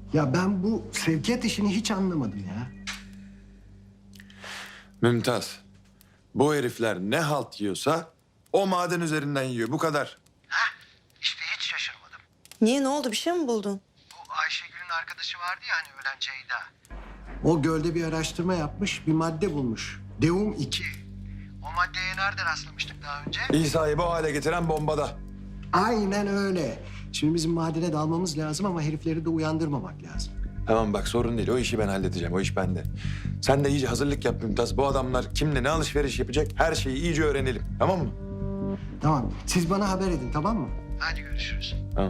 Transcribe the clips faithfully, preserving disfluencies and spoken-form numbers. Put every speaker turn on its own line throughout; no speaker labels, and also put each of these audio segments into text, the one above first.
Ya ben bu sevkiyat işini hiç anlamadım ya.
Mümtaz, bu herifler ne halt yiyorsa o maden üzerinden yiyor. Bu kadar.
İşte hiç şaşırmadım.
Niye, ne oldu, bir şey mi buldun?
Bu Ayşegül'ün arkadaşı vardı ya hani ölen Ceyda. O gölde bir araştırma yapmış, bir madde bulmuş. Deum iki. O maddeye nerede rastlamıştık daha önce?
İsa'yı bu hale getiren bombada.
Aynen öyle. Şimdi bizim madene dalmamız lazım ama herifleri de uyandırmamak lazım.
Tamam bak, sorun değil. O işi ben halledeceğim. O iş bende. Sen de iyice hazırlık yap Mümtaz. Bu adamlar kimle ne alışveriş yapacak, her şeyi iyice öğrenelim. Tamam mı?
Tamam, siz bana haber edin, tamam mı? Hadi görüşürüz.
Tamam.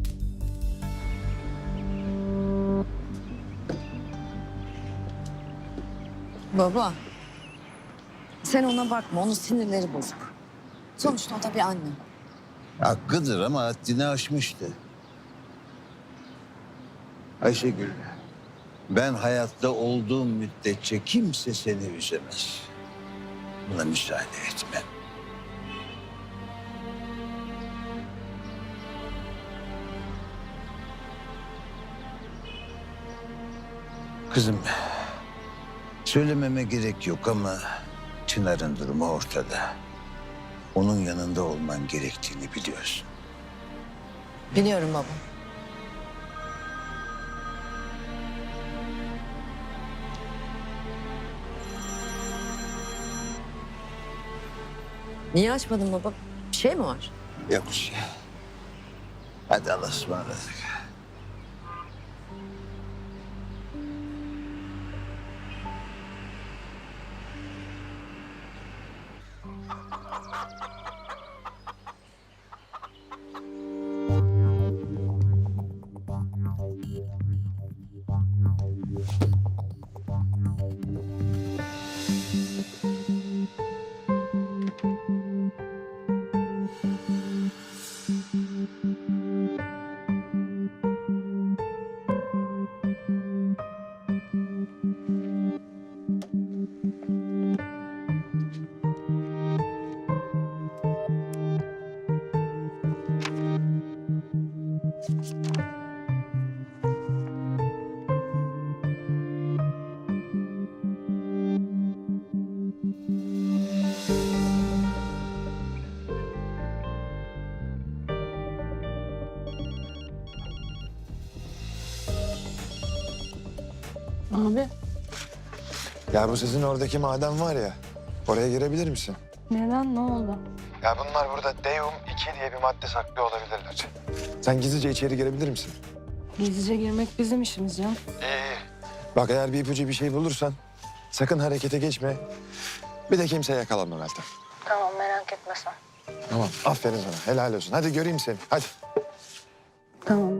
Baba, sen ona bakma, onun sinirleri bozuk. Sonuçta o da bir anne.
Hakkıdır ama haddini aşmıştı. Ayşegül, ben hayatta olduğum müddetçe kimse seni üzemez. Buna müsaade etmem. Kızım, söylememe gerek yok ama Çınar'ın durumu ortada. Onun yanında olman gerektiğini biliyorsun.
Biliyorum baba. Niye açmadın baba? Bir şey mi var?
Yok bir şey. Hadi Allah'a ısmarladık.
Abi
Ya bu sizin oradaki maden var ya, oraya girebilir misin?
neden, ne oldu?
Ya bunlar burada Deum iki diye bir madde saklıyor olabilirler. Sen gizlice içeri girebilir misin?
Gizlice girmek bizim işimiz ya.
İyi. Bak eğer bir ipucu bir şey bulursan sakın harekete geçme. Bir de kimseye yakalanma Meltem.
Tamam, merak etme sen.
Tamam. Aferin sana. Helal olsun. Hadi göreyim seni. Hadi.
Tamam.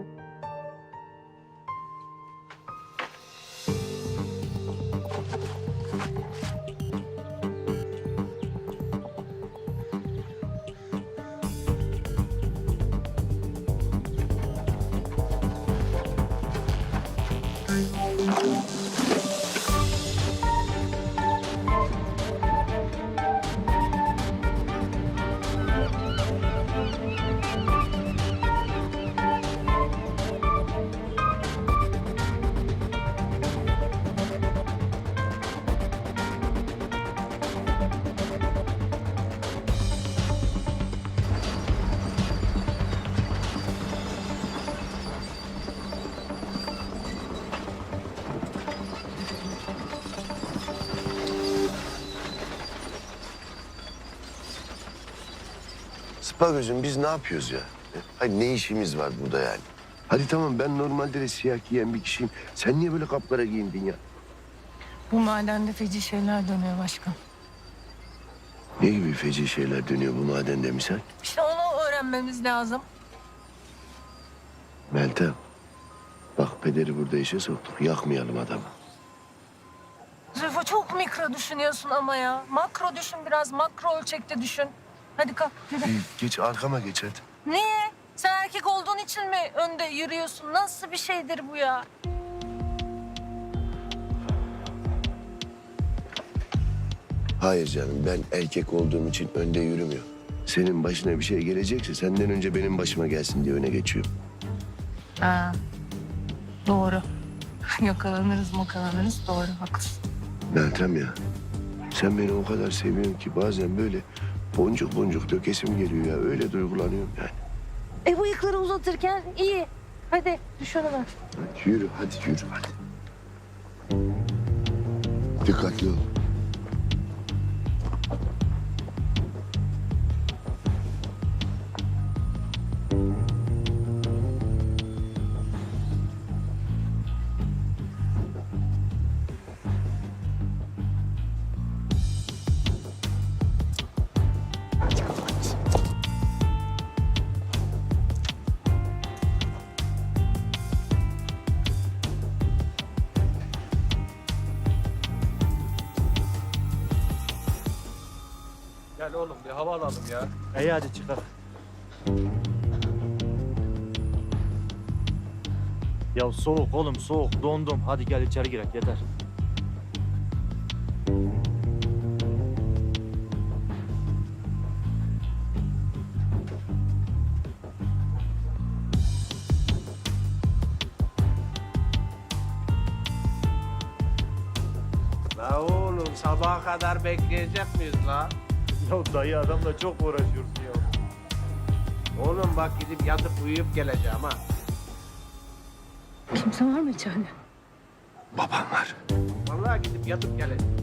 Spagöz'üm biz ne yapıyoruz ya? Hayır ne işimiz var burada yani? Hadi tamam ben normalde de siyah giyen bir kişiyim. Sen niye böyle kapkara giyindin ya?
Bu madende feci şeyler dönüyor başkan.
Ne gibi feci şeyler dönüyor bu madende misal?
İşte onu öğrenmemiz lazım.
Meltem. Bak pederi burada işe soktuk. Yakmayalım adamı.
Zülfü çok mikro düşünüyorsun ama ya. Makro düşün biraz, makro ölçekte düşün. Hadi kalk, yürü.
İyi, geç arkama geç hadi.
Niye? Sen erkek olduğun için mi önde yürüyorsun? Nasıl bir şeydir bu ya?
Hayır canım ben erkek olduğum için önde yürümüyorum. Senin başına bir şey gelecekse senden önce benim başıma gelsin diye öne geçiyorum.
Ha. Doğru. Yakalanırız makalanırız. Doğru, haklısın.
Meltem ya. Sen beni o kadar seviyorsun ki bazen böyle boncuk boncuk dökesim geliyor ya. Öyle duygulanıyorum yani.
E bıyıkları uzatırken iyi. Hadi düşünün.
Hadi yürü, hadi yürü, hadi. Dikkatli ol.
Gel oğlum bir hava alalım ya. İyi hadi çıkalım. Ya soğuk oğlum soğuk dondum. Hadi gel içeri girek yeter.
La oğlum sabaha kadar bekleyecek miyiz la?
Ya dayı adamla çok uğraşıyorsun ya.
Oğlum bak gidip yatıp uyuyup geleceğim ha.
Kimse var mı içeride?
Babam var.
Vallahi gidip yatıp geleceğim.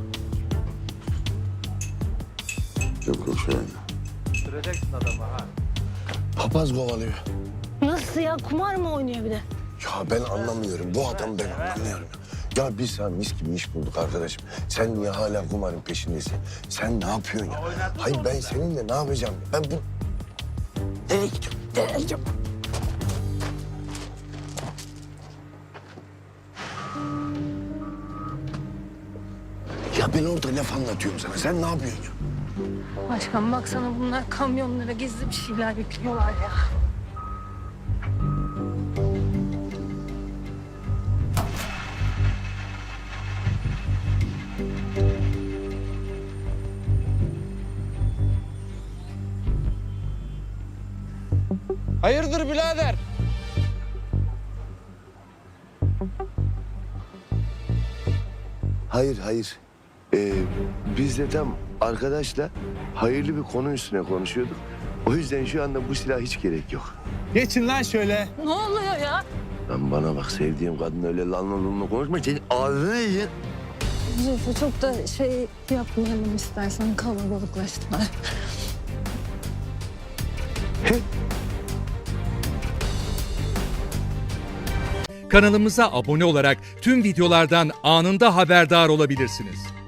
Yok yok şu an.
Süreceksin adamı ha.
Papaz kovalıyor.
Nasıl ya? Kumar mı oynuyor bir de?
Ya ben anlamıyorum. Bu adam ben anlamıyorum. Ya biz sana mis gibi iş bulduk arkadaşım. Sen niye hala kumarın peşindesin? Sen ne yapıyorsun ya? Hayır ben seninle ne yapacağım? Ben bu... Nereye gidiyorum? Nereye gidiyorum? Ya ben orada laf anlatıyorum sana. Sen ne yapıyorsun ya?
Başkan baksana bunlar kamyonlara gizli bir şeyler yüklüyorlar ya.
Hayırdır birader?
Hayır, hayır. Ee, biz de tam arkadaşla hayırlı bir konu üstüne konuşuyorduk. O yüzden şu anda bu silah hiç gerek yok.
Geçin lan şöyle.
Ne oluyor ya?
Lan bana bak sevdiğim kadın öyle lan lan lan konuşma. Senin ağzını yiyeceksin.
Zülfü çok da şey yapmayalım istersen kalabalıklaştılar.
Kanalımıza abone olarak tüm videolardan anında haberdar olabilirsiniz.